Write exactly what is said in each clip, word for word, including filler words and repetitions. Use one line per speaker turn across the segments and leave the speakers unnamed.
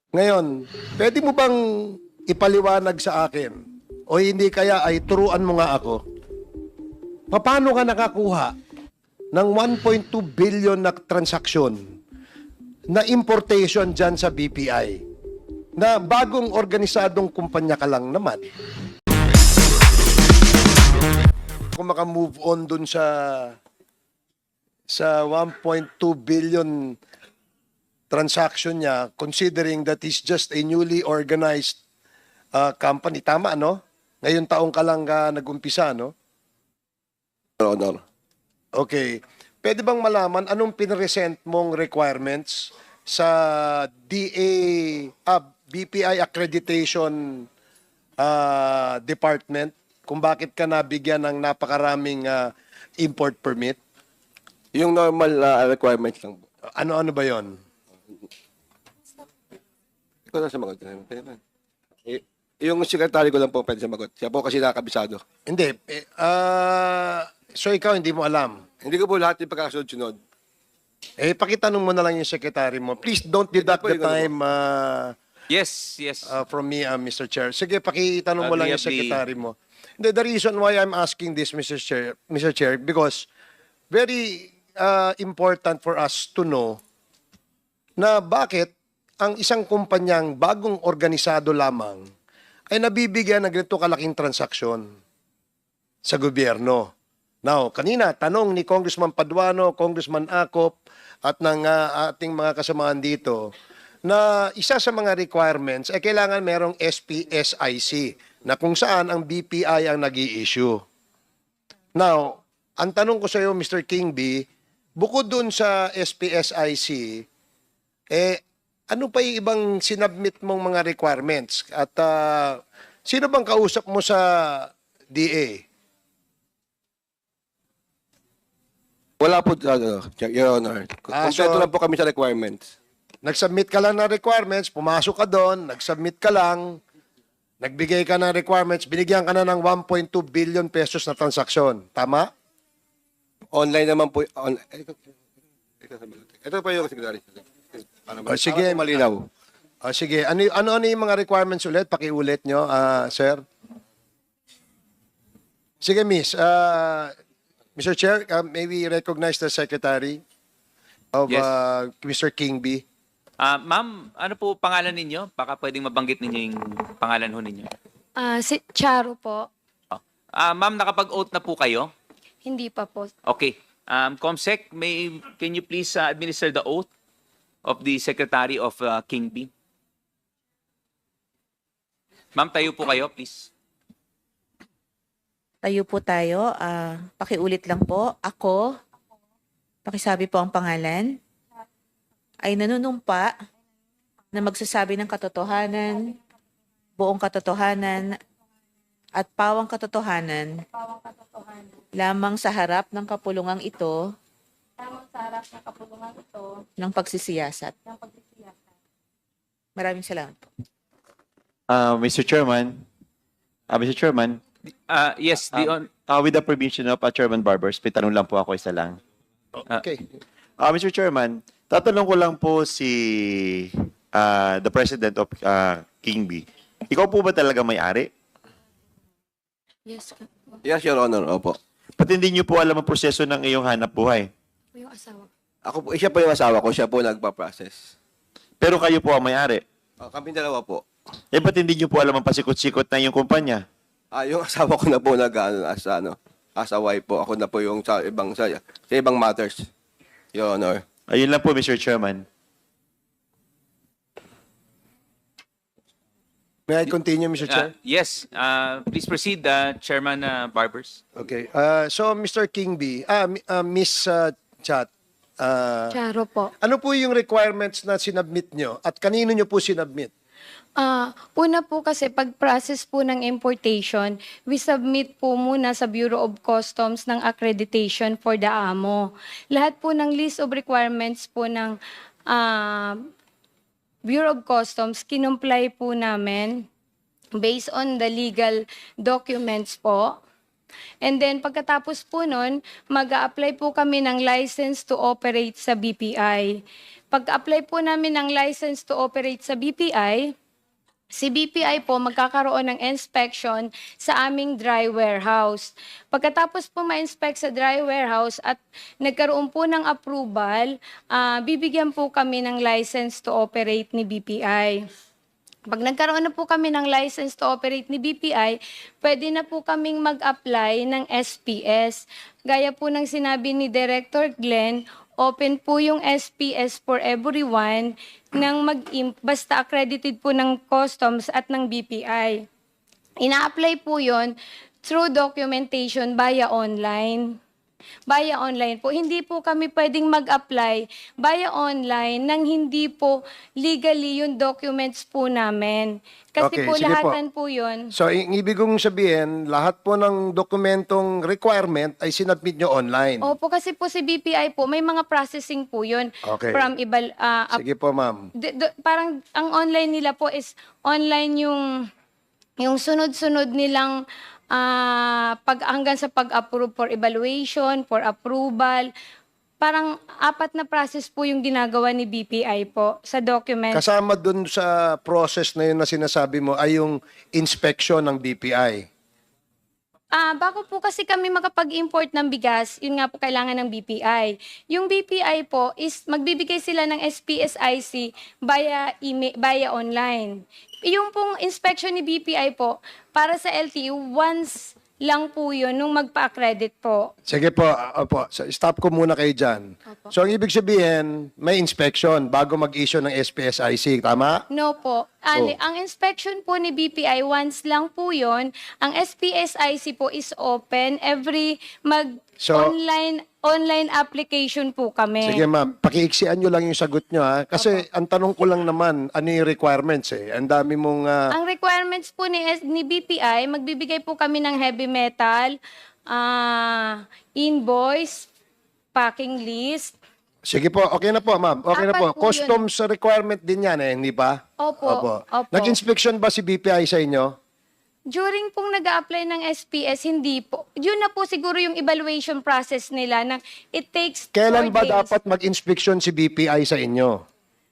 Ngayon, pwede mo bang ipaliwanag sa akin o hindi kaya ay turuan mo nga ako, paano ka nakakuha ng one point two billion na transaksyon na importation dyan sa B P I na bagong organisadong kumpanya ka lang naman? Kung maka-move on dun sa sa one point two billion transaction niya, considering that is just a newly organized uh, company. Tama, no? Ngayon taong ka lang uh, nag-umpisa, no?
Your Honor.
Okay. Pwede bang malaman anong pinresent mong requirements sa D A, ah, B P I Accreditation uh, Department kung bakit ka nabigyan ng napakaraming uh, import permit?
Yung normal uh, requirements lang po.
Ano-ano ba yon?
Ikaw na sumagot. Eh, yung sekretary ko lang po pwede sumagot. Siya po kasi nakakabisado.
Hindi. Eh, ah, so ikaw hindi mo alam.
Hindi ko po lahat yung pagkasunod-sunod.
Eh, pakitanong mo na lang yung secretary mo. Please don't deduct the time uh,
Yes, yes.
uh, from me, uh, Mister Chair. Sige, pakitanong mo lang yung
Agreeably.
secretary mo. The, the reason why I'm asking this, Mister Chair, Mister Chair, because very uh, important for us to know na bakit ang isang kumpanyang bagong organisado lamang ay nabibigyan ng ganito kalaking transaksyon sa gobyerno. Now, kanina, tanong ni Congressman Paduano, Congressman Acop, at ng uh, ating mga kasamahan dito, na isa sa mga requirements ay kailangan merong S P S I C na kung saan ang B P I ang nag-i-issue. Now, ang tanong ko sa iyo, Mister Kingby, bukod dun sa S P S I C, eh, ano pa yung ibang sinubmit mong mga requirements? At uh, sino bang kausap mo sa D A?
Wala po, ano, Your Honor.
Ah,
Kompleto
so-
lang po kami sa requirements.
Nag-submit ka lang ng requirements, pumasok ka doon, nag-submit ka lang, nagbigay ka ng requirements, binigyan ka na ng one point two billion pesos na transaksyon. Tama?
Online naman po. On, eh, ikaw- ikaw sumagot. Ito pa yung secretary. Para
Oh, sige.
para malinaw.
O sige, ano, ano, ano yung mga requirements ulit? Pakiulit nyo, ah, sir. Sige, miss. Uh, Mister Chair, uh, maybe recognize the secretary of
Yes.
uh, Mister Kingby.
Ah, ma'am, ano po pangalan ninyo? Baka pwedeng mabanggit ninyo yung pangalan ho ninyo.
Ah, si Charo po.
Oh. Ah, ma'am, nakapag-oath na po kayo?
Hindi pa po.
Okay. Um, Comsec, may, can you please uh, administer the oath of the Secretary of uh, King B? Ma'am, tayo po kayo, please.
Tayo po tayo. Ah, pakiulit lang po. Ako, pakisabi po ang pangalan, ay nanunumpa na magsasabi ng katotohanan, buong katotohanan, at pawang katotohanan lamang sa harap ng kapulungang ito
Tamang sa harap ng kapulungan ito
ng pagsisiyasat.
ng pagsisiyasat.
Maraming salamat po.
Uh, Mister Chairman, uh, Mister Chairman,
Uh, yes, the on,
uh, with the permission of uh, Chairman Barbers, may tanong lang po ako isa lang.
Okay.
Uh, Mister Chairman, tatanong ko lang po si uh, the President of uh, King B. Ikaw po ba talaga may-ari?
Yes, ka-
Yes, Your Honor. Opo.
Pati hindi niyo po alam ang proseso ng iyong hanap buhay.
po yung asawa.
Ako po, siya po yung asawa ko. Siya po nagpa-process.
Pero kayo po ang may-ari.
Oh, kami dalawa po.
Eh, ba't hindi niyo po alam ang pasikot-sikot na iyong kumpanya?
Ah, yung asawa ko na po nag ano, as ano, as a wife po. Ako na po yung sa ibang sa, sa ibang matters. Your Honor.
Ayun lang po, Mister Chairman.
May I continue, Mister Chair?
uh, yes, uh, please proceed, uh, Chairman uh, Barbers.
Okay. Uh, so, Mister Kingby, ah, mi- ah, Miss uh, Chat, ah,
Charo po.
ano po yung requirements na sinubmit nyo at kanino nyo po sinubmit?
Ah, una po kasi pag-process po ng importation, we submit po muna sa Bureau of Customs ng accreditation for the A M O. Lahat po ng list of requirements po ng ah, Bureau of Customs, kinumply po namin based on the legal documents po. And then pagkatapos po nun, mag apply po kami ng license to operate sa B P I. Pag-apply po namin ng license to operate sa B P I, si B P I po magkakaroon ng inspection sa aming dry warehouse. Pagkatapos po ma-inspect sa dry warehouse at nagkaroon po ng approval, ah, bibigyan po kami ng license to operate ni B P I. Pag nagkaroon na po kami ng license to operate ni B P I, pwede na po kaming mag-apply ng S P S. Gaya po ng sinabi ni Director Glenn, open po yung S P S for everyone nang mag basta accredited po ng customs at ng B P I. Ina-apply po yon through documentation via online. Via online po. Hindi po kami pwedeng mag-apply via online nang hindi po legally yung documents po namin. Kasi
Okay,
po
sige po.
lahatan po yun.
So, ang ibig kong sabihin, lahat po ng dokumentong requirement ay sinubmit nyo online.
Opo, kasi po si B P I po, may mga processing po yun.
Okay.
From ibal, ah, up-
Sige po, ma'am.
d- d- parang ang online nila po is online yung yung sunod-sunod nilang ah, pag hanggang sa pag-approve for evaluation, for approval. Parang apat na process po yung ginagawa ni B P I po sa document.
Kasama dun sa process na yun na sinasabi mo ay yung inspection ng B P I.
Ah, bago po kasi kami makapag-import ng bigas, yun nga po kailangan ng B P I. Yung B P I po is magbibigay sila ng S P S I C via email, via online. Yung pong inspection ni B P I po para sa L T O once lang po yun nung magpa-accredit po.
Sige po, ah, opo. So, stop ko muna kayo dyan. So, ang ibig sabihin, may inspection bago mag-issue ng S P S I C, tama?
No po. Ali,
Oh.
ang inspection po ni B P I once lang po yun. Ang S P S I C po is open every mag
So-
online online application po kami.
Sige ma'am, pakiiksian nyo lang yung sagot nyo ha. Kasi ang tanong ko lang naman, ano yung requirements eh. Ang dami mong... ah,
Ang requirements po ni, S- ni B P I, magbibigay po kami ng heavy metal, ah, invoice, packing list.
sige po, okay na po ma'am. Okay na
Apat
po.
po
Customs requirement din yan eh, hindi ba?
Opo, opo.
Nag-inspection ba si B P I sa inyo?
During pong nag apply ng S P S, hindi po. Yun na po siguro yung evaluation process nila na it takes
Kailan
four
ba
days.
dapat mag-inspection si B P I sa inyo?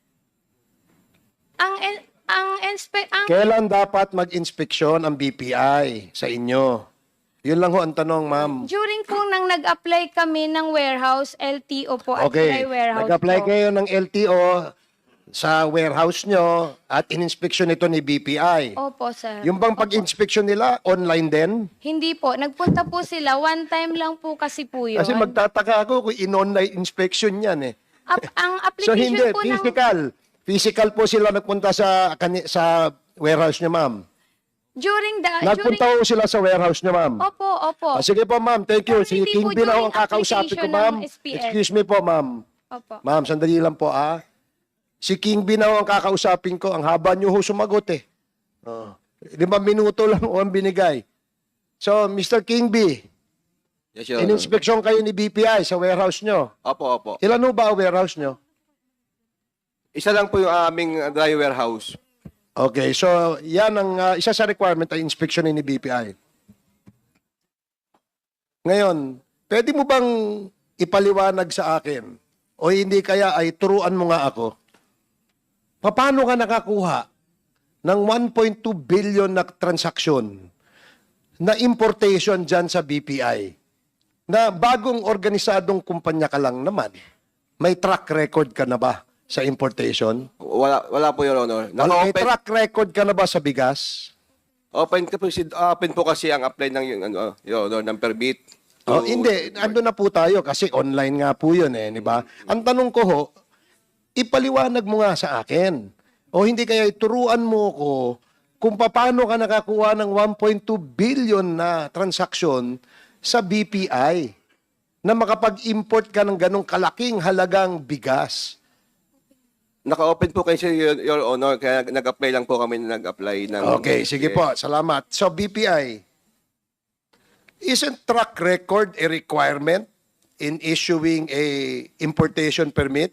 Ang, en- ang, inspe- ang
Kailan dapat mag-inspeksyon ang B P I sa inyo? Yun lang ho ang tanong, ma'am.
during po nang nag-apply kami ng warehouse, L T O po at
Okay,
dry warehouse
nag-apply
po.
kayo ng L T O sa warehouse nyo at in-inspection ito ni B P I.
Opo, sir.
Yung bang
Opo.
pag-inspection nila, online din?
Hindi po. Nagpunta po sila. One time lang po kasi po yun.
Kasi magtataka ako kung in-online inspection yan eh.
Ap- ang
So
application
hindi,
po ng...
physical. Physical po sila nagpunta sa kani- sa warehouse niya, ma'am.
During the...
Nagpunta
during,
po sila sa warehouse niya, ma'am.
Opo, opo.
Ah, sige po, ma'am. Thank you.
Pero
Si
hindi po
King Bin ako ang
during
kakausapin ko,
application
ma'am.
ng S P S.
Excuse me po, ma'am.
Opo.
Ma'am, sandali lang po, ah. Si King Bin ako ang kakausapin ko. Ang haba niyo ho sumagot, eh. Oh. Limang minuto lang ho ang binigay. So, Mister King B,
Yes, Your Honor.
in-inspection kayo ni B P I sa warehouse nyo.
Opo, opo.
Ilan ho ba ang warehouse nyo?
Isa lang po yung aming uh, dry warehouse.
Okay, so yan ang ah, isa sa requirement ay inspection ni B P I. Ngayon, pwede mo bang ipaliwanag sa akin o hindi kaya ay turuan mo nga ako? Paano ka nakakuha ng one point two billion na transaksyon na importation dyan sa B P I? Na bagong organisadong kumpanya ka lang naman, may track record ka na ba sa importation?
Wala, wala po, Your Honor.
May
Naka-open,
track record ka na ba sa bigas?
open, ka po, si- open po kasi ang apply ng, yung, ano, Your Honor, ng permit.
Oh,
to-
hindi, ando na po tayo kasi online nga po 'yun eh, di ba? Ang tanong ko ho, ipaliwanag mo nga sa akin. O hindi kaya ituruan mo ko kung paano ka nakakuha ng one point two billion na transaksyon sa B P I na makapag-import ka ng ganong kalaking halagang bigas.
Naka-open po kasi, Your, Your Honor, kaya nag-apply lang po kami na nag-apply ng...
Okay, sige po. Salamat. So B P I, isn't track record a requirement in issuing a importation permit?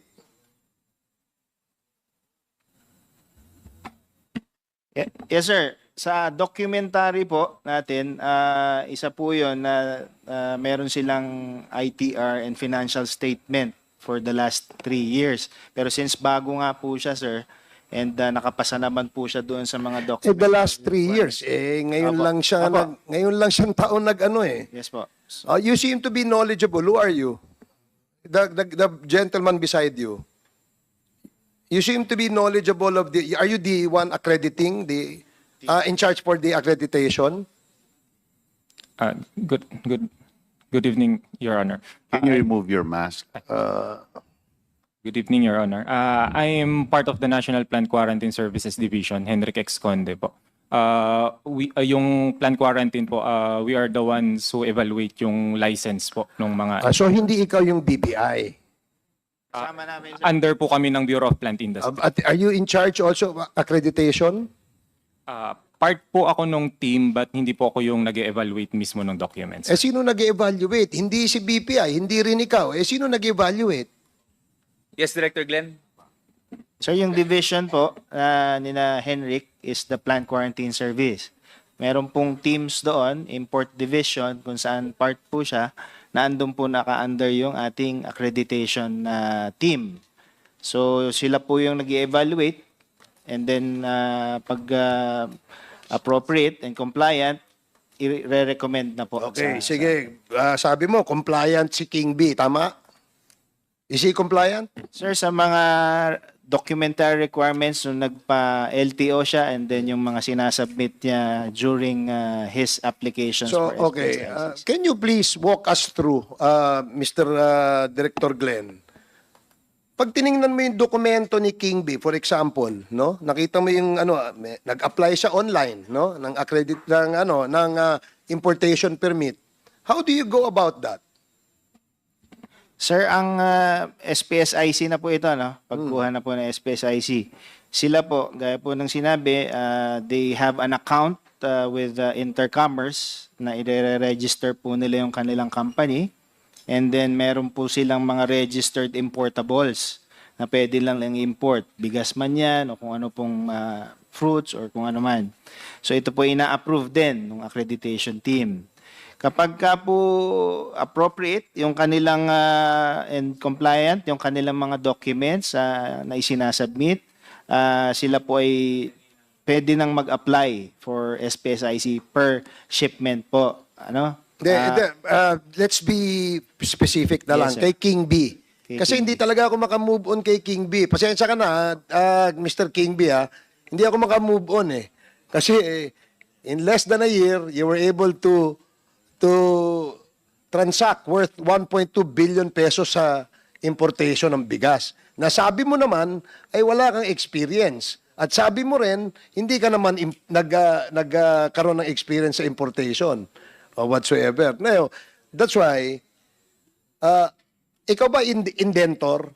Ye- Yes, sir. Sa documentary po natin, ah, isa po yun na ah, meron silang I T R and financial statement for the last three years. Pero since bago nga po siya, sir, and uh, nakapasa naman po siya doon sa mga
Eh,
documents.
the last three years, eh, ngayon
Apo.
lang siya,
Apo.
nag, ngayon lang siyang taon nag-ano eh.
Yes po.
Uh, you seem to be knowledgeable. Who are you? The, the, the gentleman beside you. You seem to be knowledgeable of the, are you the one accrediting, the, uh, in charge for the accreditation?
Uh, good, good, good evening, Your Honor.
Can you remove your mask?
Good evening, Your Honor. Uh, I am part of the National Plant Quarantine Services Division, Henrik X. Conde po. Uh, we, uh, yung plant quarantine po, uh, we are the ones who evaluate yung license po ng mga...
Ah, so hindi ikaw yung B P I.
Kasama namin, sir.
under po kami ng Bureau of Plant
Uh,
Industry.
at are you in charge also of accreditation?
Uh, part po ako nung team but hindi po ako yung nag-evaluate mismo ng documents.
Eh sino nag-evaluate? Hindi si B P I, hindi rin ikaw. Eh sino nag-evaluate?
Yes, Director Glenn?
Sir, yung division po uh, nina Henrik is the Plant Quarantine Service. Meron pong teams doon, Import Division, kung saan part po siya, na andun po naka-under yung ating accreditation na team. So, sila po yung nag-evaluate and then uh, pag uh, appropriate and compliant, i-recommend na po.
Okay,
sa-
sige. Ah, sabi mo, compliant si King B, tama? Is he compliant?
Sir, sa mga documentary requirements nung nagpa-L T O siya and then yung mga sinasubmit niya during uh, his applications
So,
for
okay.
S P S
Uh,
license.
can you please walk us through, uh, Mister uh, Director Glenn? Pag tiningnan mo yung dokumento ni King B, for example, no? Nakita mo yung ano, may- nag-apply siya online, no? Ng accredit ng ano, ng uh, importation permit. How do you go about that?
Sir, ang uh, S P S I C na po ito, no? Pagkuha na po ng S P S I C. Sila po, gaya po ng sinabi, uh, they have an account uh, with uh, Intercommerce na i-register po nila yung kanilang company. And then meron po silang mga registered importables na pwede lang lang import. Bigas man yan o kung ano pong uh, fruits or kung ano man. So ito po ina-approve din ng accreditation team. Kapag ka po appropriate yung kanilang uh, and compliant, yung kanilang mga documents uh, na isinasubmit, uh, sila po ay pwede nang mag-apply for S P S I C per shipment po. Ano?
De,
Ah,
de, uh, let's be specific na
Yes,
lang.
sir.
Kay King B.
Kay
Kasi
King
hindi
B.
talaga ako makamove on kay King B. Pasensya ka na, uh, Mister King B, ha? Hindi ako makamove on eh. Kasi eh, in less than a year, you were able to to transact worth one point two billion pesos sa importation ng bigas. Nasabi mo naman ay wala kang experience. At sabi mo rin, hindi ka naman im- nag, uh, nagkaroon ng experience sa importation or whatsoever. Now, that's why, uh, ikaw ba ind- indentor?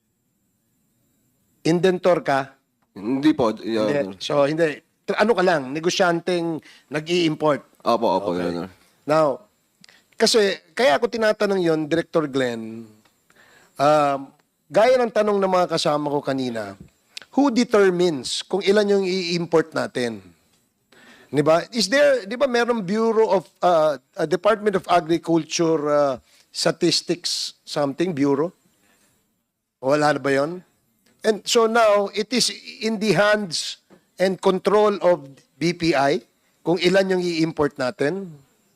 Indentor ka?
Hindi po. Your
Hindi.
Honor.
So, hindi. Tra- Ano ka lang, negosyanteng nag-i-import.
Opo, opo,
Okay.
Your Honor.
Now, kasi, kaya ako tinatanong yon, Director Glenn, um, gaya ng tanong ng mga kasama ko kanina, who determines kung ilan yung i-import natin? Di ba? Is there, di ba merong Bureau of, uh, uh, Department of Agriculture uh, Statistics something, Bureau? Wala na ba yun? And so now, it is in the hands and control of B P I kung ilan yung i-import natin.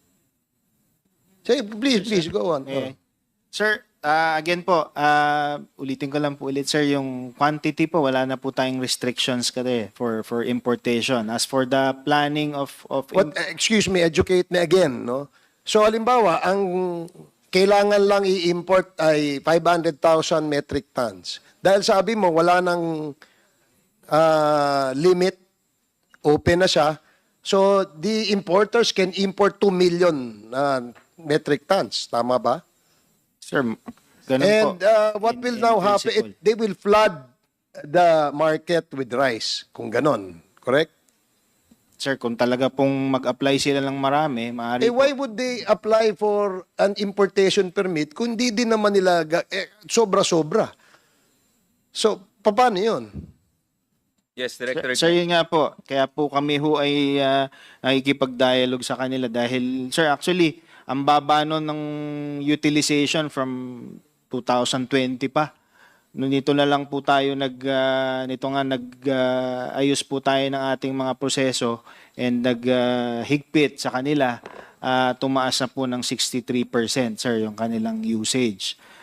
Say, please, please, go on.
Okay. Sir, ah, again po, ah, ulitin ko lang po ulit, sir, yung quantity po, wala na po tayong restrictions kasi for for importation. As for the planning of of
What, uh, excuse me, educate me again, no? So, halimbawa, ang kailangan lang i-import ay five hundred thousand metric tons. Dahil sabi mo, wala nang ah, limit, open na siya. So, the importers can import two million uh, metric tons. Tama ba?
sir, ganun po.
And uh, what
In-
will
in
now happen,
principle.
it, they will flood the market with rice, kung ganon. Correct?
Sir, kung talaga pong mag-apply sila ng marami, maaari
Eh,
po.
why would they apply for an importation permit kung di din naman nila ga- eh, sobra-sobra? So, paano yun?
Yes, Director
Sir,
Glenn.
yun nga po. Kaya po kami ho ay uh, nakikipag-dialogue sa kanila dahil, sir, actually, ang baba nun ng utilization from two thousand twenty pa. Nung nito na lang po tayo nag ah, nito nga nag ah, ayos po tayo ng ating mga proseso and nag ah, higpit sa kanila, ah, tumaas na po ng sixty-three percent sir yung kanilang usage.